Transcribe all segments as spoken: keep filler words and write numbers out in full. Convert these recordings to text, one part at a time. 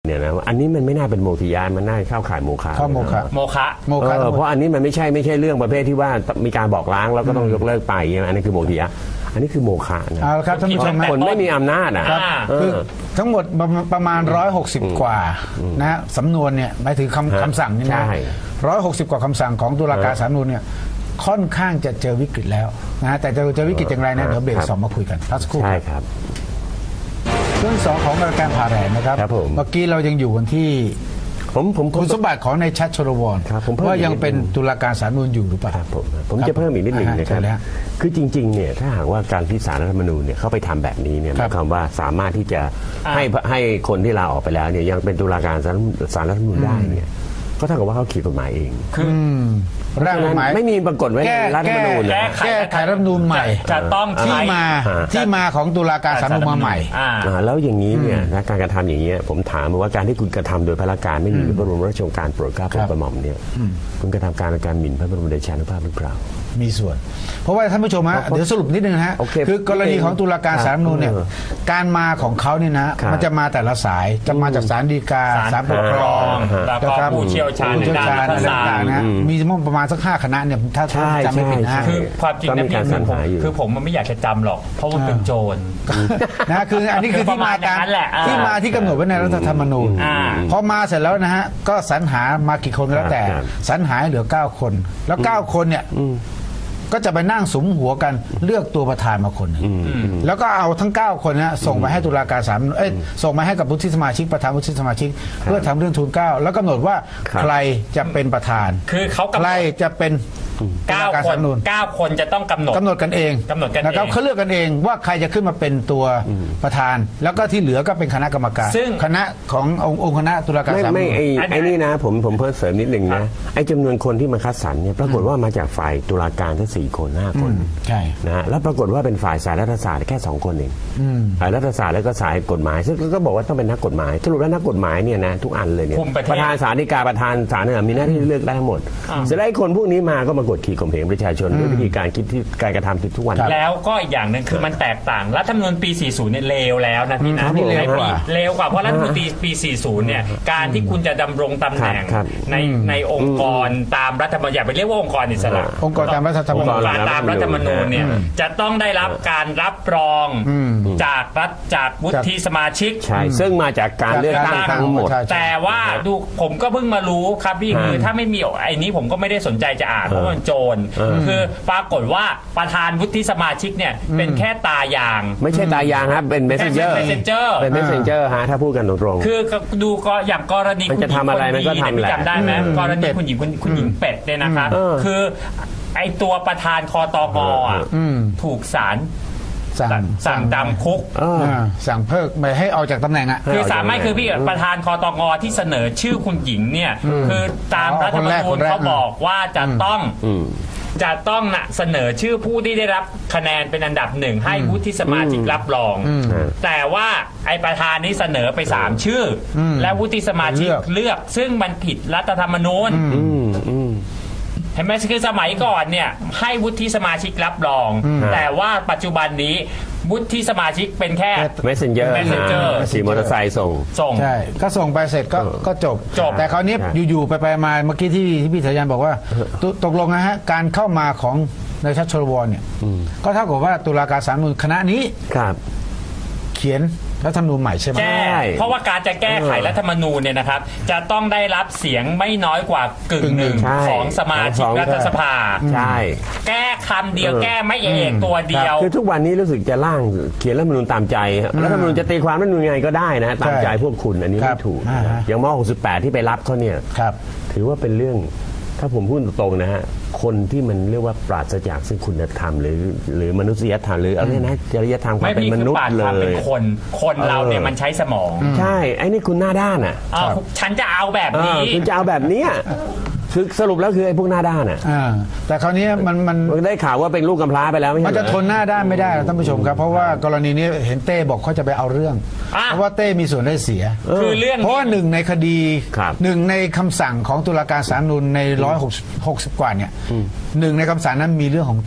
เนี่ยนะอันนี้มันไม่น่าเป็นโมฆะมันน่าเข้าข่ายโมฆะข้อโมฆะโมฆะโมฆะเออเพราะอันนี้มันไม่ใช่ไม่ใช่เรื่องประเภทที่ว่ามีการบอกล้างแล้วก็ต้องยกเลิกไปอันนี้คือโมฆะอันนี้คือโมฆะนะเอาละครับท่านผู้ชมคนไม่มีอำนาจอ่ะครับเออคือทั้งหมดประมาณร้อยหกสิบกว่านะฮะสำนวนเนี่ยหมายถึงคำคำสั่งนี่นะใช่ร้อยหกสิบกว่าคำสั่งของตุลาการศาลรัฐธรรมนูญเนี่ยค่อนข้างจะเจอวิกฤตแล้วนะฮะแต่จะเจอวิกฤตอย่างไรนะเดี๋ยวเบรกสองมาคุยกันพักสักครู่ใช่ครับเรื่องสองของรายการผ่าแรงนะครับครับผมเมื่อกี้เรายังอยู่กันที่ผมผมผมคุณสมบัติของนายชัดชลวรครับผมเพิ่มว่ายังอีกนิดเป็นตุลาการศาลรัฐธรรมนูญอยู่หรือเปล่าครับผมผมจะเพิ่มอีกนิดหนึ่งอ่านะครับเชิญเลยฮะคือจริงๆเนี่ยถ้าหากว่าการที่ศาลรัฐธรรมนูญเนี่ยเข้าไปทำแบบนี้เนี่ยหครัมาบยความว่าสามารถที่จะให้ให้คนที่ลาออกไปแล้วเนี่ยยังเป็นตุลาการศาลศาลรัฐธรรมนูญได้เนี่ยก็เท่ากับว่าเขาขีดกฎหมายเองคือร่างกฎหมายไม่มีปรากฏไว้ในแก้รัฐธรรมนูญแก้นะไขแก้ไขรัฐธรรมนูญใหม่จะต้องที่ใช้มาอ่าที่มาของตุลาการศาลรัฐธรรมนูญมาใหม่อ่าอ่าแล้วอย่างนี้เนี่ยนะการกระทำอย่างนี้ยผมถามว่าการที่คุณกระทำโดยพระการไม่มีพระบรมราชโองการโปรดเกล้าโปรดกระหม่อมเนี่ยคุณกระทำการในการหมิ่นพระบรมเดชานุภาพหรือเปล่ามีส่วน เพราะว่าท่านผู้ชมฮะเพราะเดี๋ยวสรุปนิดนึงนะฮะโอเคคือกรณีของตุลาการศาลรัฐธรรมนูญเนี่ยเออการมาของเขาเนี่ยนะครับมันจะมาแต่ละสายจะมาจากศาลฎีกาศาลศาลปกครองแล้วก็นะครับผู้เชี่ยวชาญผู้เชี่ยวชาญในอะไรด้านรัฐศาสตร์ต่างๆนะฮะมีประมาณสักห้าคณะเนี่ยถ้าใช่จำไม่ผิดนะฮะใช่คือความจริงก็นะมีพี่การสรรผมหาอยู่คือผมมันไม่อยากจะจำหรอก เพราะมันเป็นโจรนะคืออันนี้คือที่มาการประมาณนั้นแหละอ่าที่มาที่กำหนดไว้ในรัฐธรรมนูญอ่าพอมาเสร็จแล้วนะฮะก็สรรหามากี่คนก็แล้วแต่ครับสรรหาให้เหลือเก้าคน แล้วเก้าคนเนี่ยก็จะไปนั่งสุมหัวกันเลือกตัวประธานมาคนหนึ่งแล้วก็เอาทั้งเก้าคนนะส่งไปให้ตุลาการศาลเอ้ยส่งมาให้กับวุฒิสมาชิกประธานวุฒิสมาชิก เพื่อทำเรื่องทูลเกล้าแล้วกำหนดว่าครับใครจะเป็นประธานคือเขากำหนดใครจะเป็นตุเก้าลาการคศาลนรัฐธรรมนูญเก้าคนจะต้องกำหนดกำหนดกันเองกำหนดกันเองนะครับเขาเลือกกันเองว่าใครจะขึ้นมาเป็นตัวประธาน แล้วก็ที่เหลือก็เป็นคณะกรรมการซึ่งคณะขององค์องค์คณะตุลาการไม่ศาลรัฐธรรมไม่นูญไอ้อันนี้ไอ้นี่นะผมผมเพิ่มเสริมนิดหนึ่งครันะบไอ้จำนวนคนที่มาคัดสรรเนี่ยปรากฏว่ามาจากฝ่ายตุลาการทั้งสี่คนห้าคนใช่นะฮะแล้วปรากฏว่าเป็นฝ่ายสายรัฐศาสตร์แค่สองคนเองฝ่ายรัฐศาสตร์แล้วก็สายกฎหมายซึ่งก็บอกว่าต้องเป็นนักกฎหมายสรุปแล้วนักกฎหมายเนี่ยนะทุกอันเลยเนี่ยคุมประเทศประธานศาลฎีกาประธานศาลเนี่ยมีหน้าที่เลือกได้ทั้งหมดเสร็จแล้วไอ้คนพวกนี้มาก็มากดขี่ข่มเหงประชาชนด้วยวิธีการคิดที่การกระทำที่ทุกวันแล้วก็อีกอย่างหนึ่งคือมันแตกต่างรัฐธรรมนูญปี สี่สิบ เนี่ยเลวแล้วนะพี่ครันะบผมในปีเลวกว่าเลวกว่าเพราะรัฐธรรมนูญปีปี สี่สิบ เนี่ยการที่คุณจะดำรงตำแหน่งครับในในองค์กรตามรัฐธรรมนูญอย่าไปเรียกว่าองค์กรอิสระองค์กรตามรัฐธรรมองนูญค์การตามรัฐธรรมนูญเนี่ยจะต้องได้รับการรับรองจากรัฐจากวุฒิสมาชิกใช่ซึ่งมาจากการเลือกตั้งทั้งหมดแต่ว่าดูผมก็เพิ่งมารู้ครับพี่คือถ้าไม่มีไอ้นี้ผมก็ไม่ได้สนใจจะอ่านเพราะมันโจรคือปรากฏว่าประธานวุฒิสมาชิกเนี่ยเป็นแค่ตายางไม่ใช่ตายางครับเป็น messenger เป็น messenger เป็น messenger ฮะถ้าพูดกันตรงๆคือดูก็อย่างกรณีมันจะทำอะไรมันก็ทำแหละจำได้ไหมกรณีคุณหญิงคุณคุณหญิงเป็ดเนี่ยนะคะเออคือไอตัวประธานคอตกอ่ะถูกศาลสั่งสั่งจำคุกเอออ่าสั่งเพิกไม่ให้ออกจากตำแหน่งอ่ะคือสามไม่คือพี่ประธานคอตกที่เสนอชื่อคุณหญิงเนี่ยคือตามอ๋อรัฐธรรมนูคนญแรกเขาบอกว่าจะต้องอืมจะต้องนะเสนอชื่อผู้ที่ได้รับคะแนนเป็นอันดับหนึ่งให้วุฒิสมาชิกรับรอง แต่ว่าไอประธานนี้เสนอไปสามชื่ออและวุฒิสมาชิกเลือกเลือก ซึ่งมันผิดรัฐธรรมนูญอืมอืมเห็นไหมคือสมัยก่อนเนี่ยให้วุฒิสมาชิกรับรอง แต่ว่าปัจจุบันนี้วุฒิสมาชิกเป็นแค่ messenger messenger ขี่มอเตอร์ไซค์ส่งส่งใช่ก็ส่งไปเสร็จก็ก็จบจบแต่คราวนี้ใช่อยู่ๆไปไปมาเมื่อกี้ที่ที่พี่สายันบอกว่าตตกลงนะฮะการเข้ามาของนายชัดชลวรเนี่ยก็เท่ากับว่าตุลาการศาลรัฐธรรมนูญคณะนี้ครับเขียนรัฐธรรมนูญใหม่ใช่ไหมแก้ใช่เพราะว่าการจะแก้ไขรัฐธรรมนูญเนี่ยนะครับ จะต้องได้รับเสียงไม่น้อยกว่ากึ่งหนึ่งใช่ของสมาชิกของรัฐสภาใช่แก้คำเดียวแก้ไม่เอกตัวเดียวคือทุกวันนี้รู้สึกจะร่างเขียนรัฐธรรมนูญตามใจครับรัฐธรรมนูญจะตีความรัฐธรรมนูญยังไงก็ได้นะตามใจพวกคุณอันนี้ครัไม่บถูกอ่าฮะอย่างมหกสิบแปดที่ไปรับเขาเนี่ยครับถือว่าเป็นเรื่องถ้าผมพูดตรงๆนะฮะคนที่มันเรียกว่าปราศจากซึ่งคุณธรรมหรือหรือมนุษยธรรมหรืออะไรนะจริยธรรมความไม่เป็นมีมคือนุษปาย์ดเลความเป็นยคน คนเราเนี่ยมันใช้สมองใช่ไอ้นี่คุณหน้าด้านอ่ะอ่าฉันจะเอาแบบเอนี้อคุณจะเอาแบบเนี้ยคือสรุปแล้วคือไอ้พวกหน้าด้านอ่ะอ่าแต่คราวนี้มันมันได้ข่าวว่าเป็นลูกกำพร้าไปแล้วไม่ใช่มันเหรจะอทนหน้าด้านไม่ได้ท่านผู้ชมครับ เพราะว่ากรณีนี้เห็นเต้บอกเขาจะไปเอาเรื่องอ่ะเพราะว่าเต้มีส่วนได้เสียคือเรื่องเพราะว่าหนึ่งในคดีครับหนึ่งในคำสั่งของตุลาการศาลรัฐธรรมนูญในร้อยหกสิบกว่าเนี่ยหนึ่งในคำสั่งนั้นมีเรื่องของ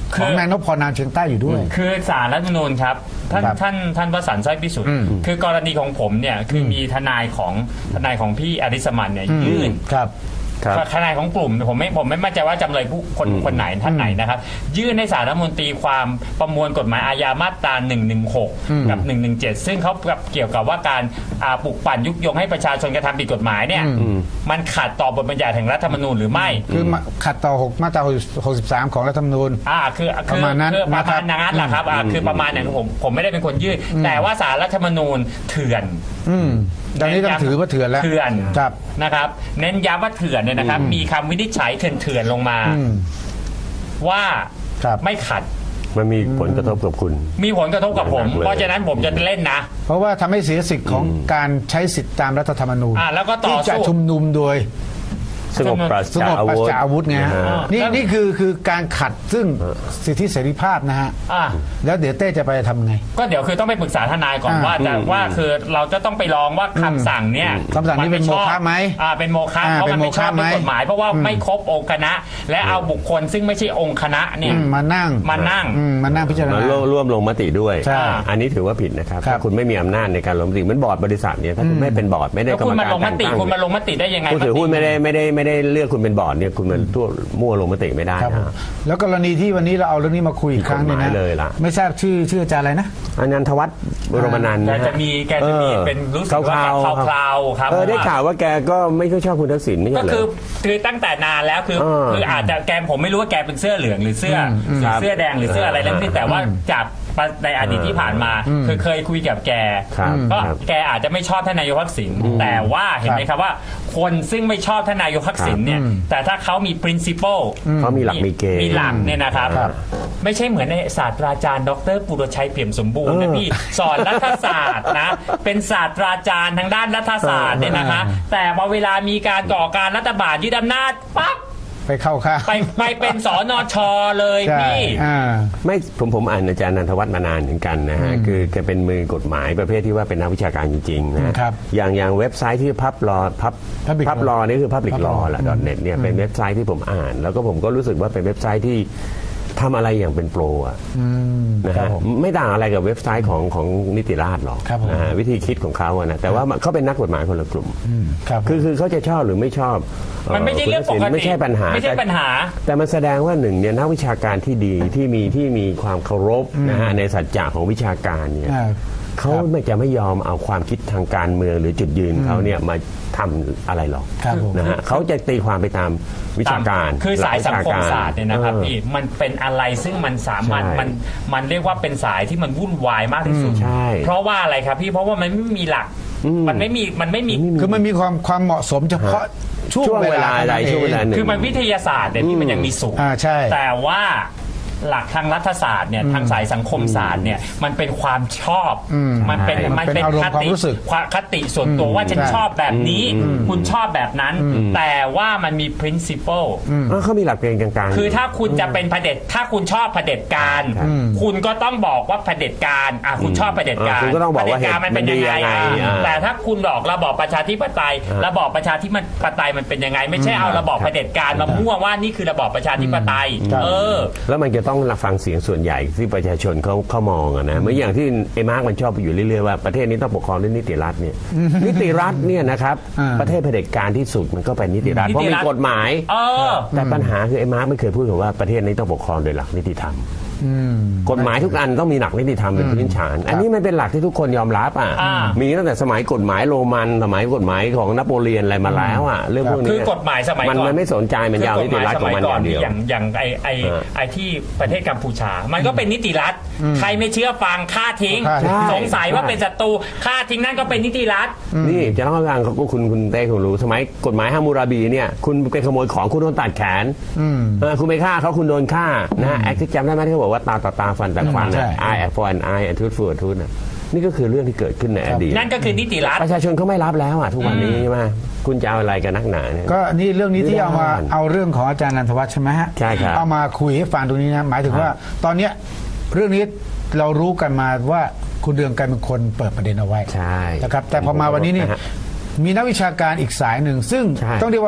ของนายนพพรนามเชียงใต้อยู่ด้วยคือศาลรัฐธรรมนูญครับท่านครับท่านท่านวสันต์สร้อยพิสุทธิ์คือกรณีของผมเนี่ยคือมีทนายของทนายของพี่อริสมันเนี่ยยื่นครับครับทนายของกลุ่มผมไม่ผมไม่มั่นใจว่าจำเลยผู้คนคนไหนท่านไหนนะครับยื่นให้ศาลรัฐธรรมนตรีความประมวลกฎหมายอาญามาตราหนึ่งหนึ่งหกกับหนึ่งหนึ่งเจ็ดซึ่งเขาเกี่ยวกับว่าการอ่าปลุกปั่นยุยงให้ประชาชนกระทำผิดกฎหมายเนี่ยมันขัดต่อบทบัญญัติแห่งรัฐธรรมนูญหรือไม่คือมาขัดต่อหกมาตราหกสิบสามของรัฐธรรมนูญอ่าคือปคือระมาณนั้นคือประนะครัมาบณนั้นแหละครับอ่าคือประมาณนั้นผมผมไม่ได้เป็นคนยื่นแต่ว่าศาลรัฐธรรมนูญเถื่อนอืมตอนนี้ต้องถือว่าเถื่อนแล้วเถื่อนครับนะครับเน้นย้ำว่าเถื่อนเนี่ยนะครับมีคำวินิจฉัยเถื่อนๆลงมาอืมว่าครับไม่ขัดมันมีผลกระทบกับคุณมีผลกระทบกับผมหนักเลยเพราะฉะนั้นผมจะเล่นนะเพราะว่าทำให้เสียสิทธิ์ของการใช้สิทธิตามรัฐธรรมนูญอ่าแล้วก็ต่อที่จะสู้ชุมนุมโดยสงบปราศสงจากบอาปราศวุธจากอาวุธไงฮะนะฮะนี่แล้วนี่คือคือการขัดซึ่งสิทธิเสรีภาพนะฮะอ่าแล้วเดี๋ยวเต้จะไปทำไงก็เดี๋ยวคือต้องไปปรึกษาทนายก่อนอ่าว่าจะว่าคือเราจะต้องไปลองว่าคำสั่งเนี่ยคำสั่งนี้เป็นโมฆะไหมอ่าเป็นโมฆะอ่าเพราะมันเป็นโมไม่ชฆะอบด้วยไหมกฎหมาย เพราะว่าไม่ครบองค์คณะ และเอาบุคคลซึ่งไม่ใช่องค์คณะเนี่ยอืมมานั่งมานั่งอืมมานั่งพิจารมาณาร่วมร่วมลงมติด้วยใช่อันนี้ถือว่าผิดนะครับครับถ้าคุณไม่มีอำนาจในการลงมติเหมือนบอร์ดบริษัทเนี่ยถ้าคุณไม่เป็นบอร์ดไม่ได้แล้วกรรคุมณมาการลงมแต่งติตั้งคุณมาลงมติได้ยังไงผู้ถือหุ้นมติไม่ได้ไม่ได้ไม่ได้เลือกคุณเป็นบอร์ดเนี่ยคุณมาทั่วมั่วลงมติไม่ได้ครับผมนะแล้วกรณีที่วันนี้เราเอาเรื่องนี้มาคุยอีกครั้งหนึงผิดกฎหนะมายเลยล่ะไม่ทราบชื่อชื่ออาจารย์อะไรนะอนันทวัฒน์บรมนันท์แกนะฮะจะมีแกจะมีเป็นรู้สึกว่าข่าวๆคราวๆครับเออได้เพระข่าวว่าแกก็ไม่ค่อยชอบคุณทักษิณไม่ก็ใช่เหรคืออคือตั้งแต่นานแล้วคือเออคืออาจจะแกผมไม่รู้ว่าแกเป็นเสื้อเหลืองหรือเสื้ออหรือเสื้อแดงหรือเสื้ออะไรทั้งสิ้นแต่ว่าจากในอดีตที่ผ่านมาคือเคยคุยกับแกครับก็ครับแกอาจจะไม่ชอบท่านนายกทักษิณแต่ว่าเห็นไหมครับว่า คนซึ่งไม่ชอบท่านนายกทักษิณเนี่ยแต่ถ้าเขามี principle เขามีหลักมีเกณฑ์มีหลักเนี่ยนะครับครับไม่ใช่เหมือนในศาสตราจารย์ดรปุรชัยเปี่ยมสมบูรณ์นะพี่สอนรัฐศาสตร์นะเป็นศาสตราจารย์ทางด้านรัฐศาสตร์เนี่ยนะคะแต่พอเวลามีการก่อการรัฐบาลยึดอำนาจปั๊บไปเข้าข้างไปไปเป็นสอนอชอเลยใช่พี่อ่าไม่ผมผมอ่านอาจารย์นันทวัฒน์มานานเหมือนกันนะฮะคือแกเป็นมือกฎหมายประเภทที่ว่าเป็นนักวิชาการจริงๆนะครับ อย่างอย่างเว็บไซต์ที่พับรอพับ Public พับรอนี่คือ Public Public Law Law แหละ .net เนี่ยเป็นเว็บไซต์ที่ผมอ่าน แล้วก็ผมก็รู้สึกว่าเป็นเว็บไซต์ที่ทำอะไรอย่างเป็นโปรอะนะครัฮะบผมไม่ต่างอะไรกับเว็บไซต์ของของนิติราษฎร์หรอกครับผมนะฮะวิธีคิดของเขาอะนะแต่ว่าเขาเป็นนักกฎหมายคนละกลุ่มครับคือคือเขาจะชอบหรือไม่ชอบมันไม่ใช่เรื่องปกติไม่ใช่ปัญหาไม่ใช่แต่ปัญหาแต่มันแสดงว่าหนึ่งเนี่ยนักวิชาการที่ดีที่มีที่มีความเคารพนะฮะในสัจจะของวิชาการเนี่ยอ่าเขาไม่จะไม่ยอมเอาความคิดทางการเมืองหรือจุดยืนเขาเนี่ยมาทำอะไรหรอกครับผมนะฮะเขาจะตีความไปตามวิชาการคือสายสังคมหลักวิชกศาสตร์เนี่ยนะครับออพี่มันเป็นอะไรซึ่งมันสามารถใช่มันมันเรียกว่าเป็นสายที่มันวุ่นวายมากที่สุดใช่เพราะว่าอะไรครับพี่เพราะว่ามันไม่มีหลัก มันไม่มีมันไม่มีคือมันมีความความเหมาะสมเฉพาะช่วงช่วงเวลาอะไรท่นั้นช่วงเวลาองหนึ่งคือมันวิทยาศาสตร์เนี่ยที่มันยังมีสูงอ่าใช่แต่ว่าหลักทางรัฐศาสตร์เนี่ยทางสายสังคมศาสตร์เนี่ยมันเป็นความชอบ มันเป็นใช่มันเป็นมันเป็นอารมณ์คความติรู้สึกความคติส่วนตัวว่าฉันใช่ชอบแบบนี้ คุณชอบแบบนั้น แต่ว่ามันมี principle เออเขามีหลักเกณฑ์กลางๆคือถ้าคุณจะเป็นเผด็จถ้าคุณชอบเผด็จการ คุณก็ต้องบอกว่าเผด็จการอ่ะคุณชอบเผด็จการอ่าคุณก็ต้องบอกว่าเผด็จการมันเป็นยังไงมันดียังไงอ่ะอ่าแต่ถ้าคุณบอกระบอบประชาธิปไตย ระบอบประชาธิปไตยมันเป็นยังไง ไม่ใช่เอาระบอบเผด็จการมามั่วว่านี่คือระบอบประชาธิปไตย เออแล้วมันจะต้องรับฟังเสียงส่วนใหญ่ที่ประชาชนเขาเขามองอะนะเหมือนอย่างที่ไอ้มาร์กมันชอบอยู่เรื่อยๆว่าประเทศนี้ต้องปกครองด้วยนิติรัฐเนี่ยนิติรัฐเนี่ยนะครับอ่าประเทศเผด็จการที่สุดมันก็เป็นนิติรัฐนิติรัฐเพราะมีกฎหมายเออแต่ปัญหาคือไอ้มาร์กไม่เคยพูดถึงว่าประเทศนี้ต้องปกครองโดยหลักนิติธรรมกฎหมายทุกอันต้องมีหลักนิติธรรมเป็นพื้นฐาน อันนี้มันเป็นหลักที่ทุกคนยอมรับอ่ะอ่ามีมีตั้งแต่สมัยกฎหมายโรมันสมัยกฎหมายของนโปเลียนอะไรมาแล้วอ่ะเรื่องพวกนี้คือกฎหมายสมัยก่อนมันไม่สนใจมันยาวนิติรัฐของมันอย่างเดียวอย่างอย่างไอไอเออไอที่ประเทศกัมพูชา มันก็เป็นนิติรัฐ ใครไม่เชื่อฟังฆ่าทิ้งฆ่าทิ้งสงสัยว่าเป็นศัตรูฆ่าทิ้งนั่นก็เป็นนิติรัฐนี่จะเล่าให้ฟังเขาก็คุณคุณเต้คุณรู้สมัยกฎหมายฮามูราบีเนี่ยคุณไปขโมยของคุณโดนตัดแขนเออคุณไปฆ่าเขาคุณโดนฆ่านะแอคที่จำได้ไหมที่เขาบอกว่าตาต่อตาฟันต่อฟันใช่อ่ะ eye for an eye and tooth for a tooth น่ะนี่ก็คือเรื่องที่เกิดขึ้นในอดีตนั่นก็คือนิติรัฐประชาชนเขาไม่รับแล้วอ่ะทุกวันนี้ใช่ไหมคุณจะเอาอะไรกันนักหนาเนี่ยก็นี่เรื่องนี้ที่เอามาไม่ได้เอาเรื่องของอาจารย์นันทวัฒน์ใช่ไหมฮะใช่ครับเอามาคุยให้ฟังตรงนี้นะหมายถึงว่า ตอนเนี้ยเรื่องนี้เรารู้กันมาว่าคุณเรืองไกรเป็นคนเปิดประเด็นเอาไว้ใช่นะครับแต่พอมาวันนี้นี่ะฮะมีนักวิชาการอีกสายหนึ่งซึ่งใช่ต้องเรียกว่า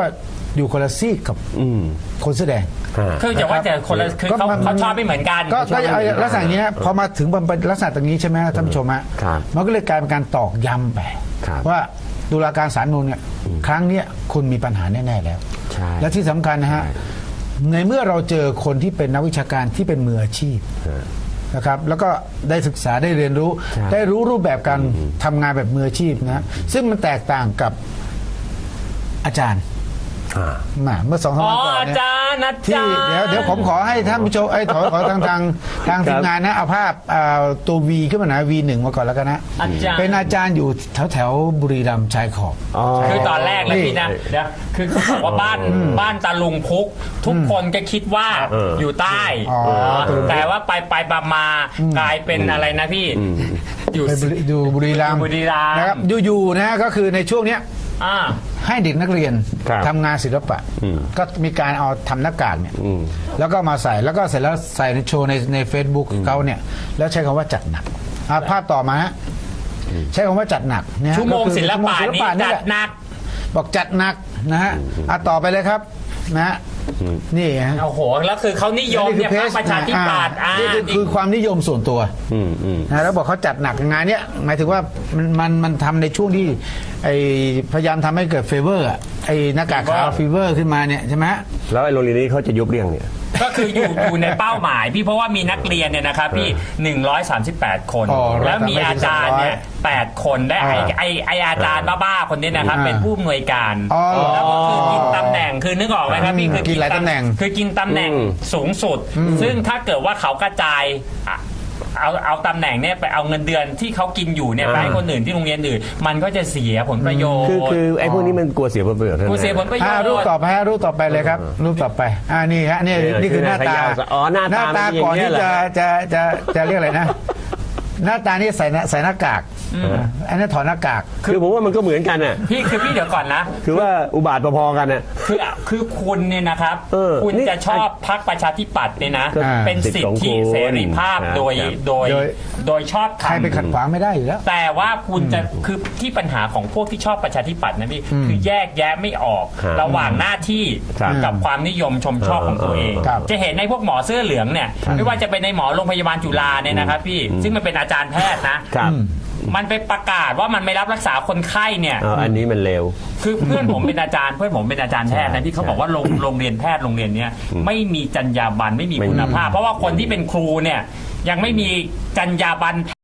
อยู่คนละซีกกับอืมคนเสื้อแดงอ่าคือจะว่าจะคนละคือเขาก็มันเขาชอบไม่เหมือนกันก็ก็เอาลักษณะอย่างนี้นะพอมาถึงเป็นลักษณะตรงนี้ใช่ไหมท่านผู้ชมฮะครับมันก็เลยกลายเป็นการตอกย้ำไปครับว่าตุลาการศาลนูนเนี่ยครั้งเนี้ยคุณมีปัญหาแน่ๆแล้วใช่และที่สำคัญนะฮะใช่ในเมื่อเราเจอคนที่เป็นนักวิชาการที่เป็นมืออาชีพนะครับ แล้วก็ได้ศึกษาได้เรียนรู้ใช่ได้รู้รูปแบบการทำงานแบบมืออาชีพนะซึ่งมันแตกต่างกับอาจารย์อ่ามาเมื่อสองสามอ๋อวันก่อนอาเนี่ยจารย์อาที่จารย์เดี๋ยวเดี๋ยวผมขอให้ท่านผู้ชมไอ้ยขอขอทางทางทางทีมงานนะเอาภาพอ่าตัววีขึ้นมาหน่อยวีหนึ่งมาก่อนแล้วกันนะอาจารย์เป็นอาจารย์อยู่แถวแถวบุรีรัมย์ชายขอบอ๋อคือตอนแรกเลยพี่นะเดี๋ยวคือเขาบอกว่าบ้านบ้านตาลุงพุก ทุกคนก็คิดว่าเอออยู่ใต้อ๋อตาลุงพุกแต่ว่าไปไปมามากลายเป็นอะไรนะพี่ อยู่ไปบุรีดูบุรีรัมย์บุรีรัมย์นะครับอยู่ๆนะฮะก็คือในช่วงเนี้ยอ่าให้เด็กนักเรียนครับทำงานศิลปะอืมก็มีการเอาทำหน้ากากเนี่ยอืมแล้วก็มาใส่แล้วก็เสร็จแล้วใส่ในโชว์ในในเฟซบุ๊กเขาเนี่ยแล้วใช้คำว่าจัดหนักอ่ะภาพต่อมาฮะใช้คำว่าจัดหนักเนี่ยชั่วโมงก็คือศิลปะชั่วโมงนี่นี่จัแหดละหนักบอกจัดหนักนะฮะอ่ะต่อไปเลยครับนะฮะนี่ฮะโอ้โห แล้วคือเขานิยมเนี่ยพรรคประชาธิปัตย์อ่านี่คือคือความนิยมส่วนตัวอืมอืมนะแล้วบอกเขาจัดหนักงานเนี้ยหมายถึงว่ามันมันมันทำในช่วงที่ไอพยายามทำให้เกิดเฟเวอร์อะไอหน้ากากขาวฟีเวอร์ขึ้นมาเนี่ยใช่ไหมแล้วไอ้โรงเรียนนี้เขาจะยุบเรียงเนี่ยก็คืออยู่อยู่ในเป้าหมายพี่เพราะว่ามีนักเรียนเนี่ยนะครับพี่หนึ่งร้อยสามสิบแปดคนอ๋อแล้วมีอาจารย์เนี่ยแปดคนได้ไอไอไออาจารย์บ้าๆคนนี้นะครับอ่าเป็นผู้อำนวยการอ๋อแล้วก็คือกินตำแหน่งคือนึกออกไหมครับพี่อืมคือกินหลายตำแหน่งคือกินตำแหน่งอืมสูงสุด ซึ่งถ้าเกิดว่าเขากระจายอ่ะเอาเอาตำแหน่งเนี่ยไปเอาเงินเดือนที่เขากินอยู่เนี่ยไปให้คนอื่นที่โรงเรียนอื่น มันก็จะเสียผลประโยชน์คือคือไอ้พวกนี้มันกลัวเสียผลประโยชน์กูเสียผลประโยชอ่าน์รูปต่อไปฮะรูปต่อไปเลยครับ รูปต่อไปอ่านี่ฮะนี่เออนี่คือหน้าตาคืออ๋อหน้าตาตามันเป็นอย่างก่อนเงี้ที่ยเหรอจะจะจะจะเรียกอะไรนะ หน้าตานี่ใส่หน้าใส่หน้ากากอันนี้ถอดหน้ากากคือผมว่ามันก็เหมือนกันน่ะพี่คือพี่เดี๋ยวก่อนนะคือว่าอุบาทพอๆกันน่ะคือคือคุณเนี่ยนะครับเออคุณนี่จะชอบพรรคประชาธิปัตย์เนี่ยนะก็เป็นสิทธิสิทธิ์ของคุณเสรีภาพครับโดยครับโดยโดยโดยชอบใครไปขัดทำขวางไม่ได้อยู่แล้วแต่ว่าคุณจะคือที่ปัญหาของพวกที่ชอบประชาธิปัตย์นะพี่คือแยกแยะไม่ออกครับระหว่างหน้าที่ครับกับความนิยมชมชอบของตัวเองครับจะเห็นในพวกหมอเสื้อเหลืองเนี่ยไม่ว่าจะเป็นในหมอโรงพยาบาลจุฬาเนี่ยนะครับพี่ซึ่งมันเป็นอาจารย์แพทย์นะครับ มันไปประกาศว่ามันไม่รับรักษาคนไข้เนี่ยเอาอันนี้มันเร็วคือเพื่อนผมเป็นอาจารย์เพื่อนผมเป็นอาจารย์แพทย์นะที่เขาบอกว่าโรงโรงเรียนแพทย์โรงเรียนเนี้ยไม่มีจรรยาบรรณไม่มีคุณภาพ เพราะว่าคนที่เป็นครูเนี่ยยังไม่มีจรรยาบรรณ